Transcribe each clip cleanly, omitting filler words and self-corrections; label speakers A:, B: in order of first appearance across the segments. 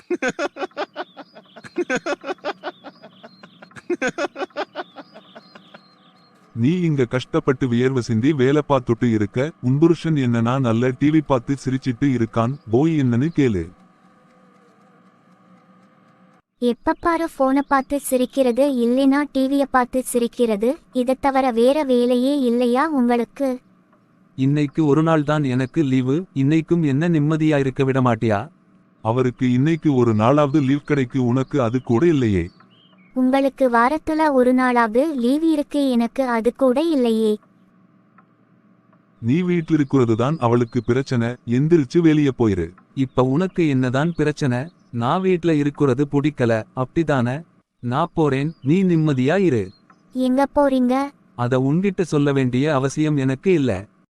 A: நீ இங்க கஷ்டப்பட்டு வியர்வை சிந்தி வேலை பார்த்துட்டு இருக்க, உன் புருஷன் என்னன்னா நல்ல டிவி பார்த்து சிரிச்சிட்டு இருக்கான், போய் என்னன்னு கேளு.
B: எப்ப பாரு போனை பார்த்து சிரிக்கிறது இல்லைனா டிவிய பார்த்து சிரிக்கிறது, இதை தவிர வேற வேலையே இல்லையா உங்களுக்கு?
C: இன்னைக்கு ஒரு நாள் தான் எனக்கு லீவு, இன்னைக்கும் என்ன நிம்மதியா இருக்க விட மாட்டியா?
A: அவருக்கு இன்னைக்கு ஒரு நாளாவது லீவ் கிடைக்கு, உனக்கு அது கூட இல்லையே.
B: உங்களுக்கு வாரத்துல ஒரு நாளாவது லீவ் இருக்கு, எனக்கு அது கூட இல்லையே.
A: நீ வீட்டில் இருக்கிறது தான் அவளுக்கு பிரச்சனை, எந்திரிச்சு வெளியே போயிரு.
C: இப்ப உனக்கு என்னதான் பிரச்சனை? நான் வீட்ல இருக்கிறது பிடிக்கல, அப்படிதானே? நான் போறேன், நீ நிம்மதியா இரு.
B: எங்க போறீங்க?
C: அத உன்கிட்ட சொல்ல வேண்டிய அவசியம் எனக்கு இல்ல.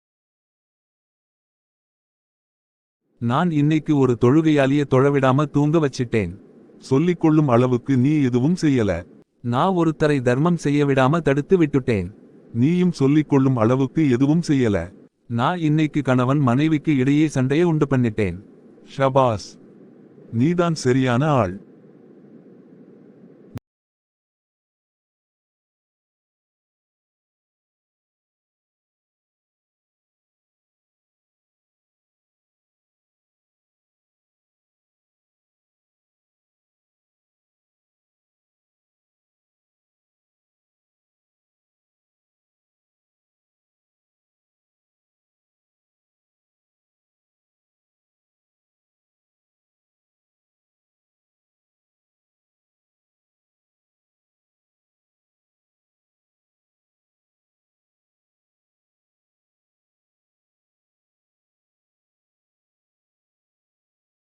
C: நான் இன்னைக்கு ஒரு தொழுகையாளிய தொழவிடாம தூங்க வச்சிட்டேன்.
A: சொல்லிக்கொள்ளும் அளவுக்கு நீ எதுவும் செய்யல.
C: நான் ஒருத்தரை தர்மம் செய்ய விடாம தடுத்து விட்டுட்டேன்.
A: நீயும் சொல்லிக்கொள்ளும் அளவுக்கு எதுவும் செய்யல.
C: நான் இன்னைக்கு கணவன் மனைவிக்கு இடையே சண்டையை உண்டு பண்ணிட்டேன்.
A: ஷபாஸ், நீதான் சரியான ஆள்.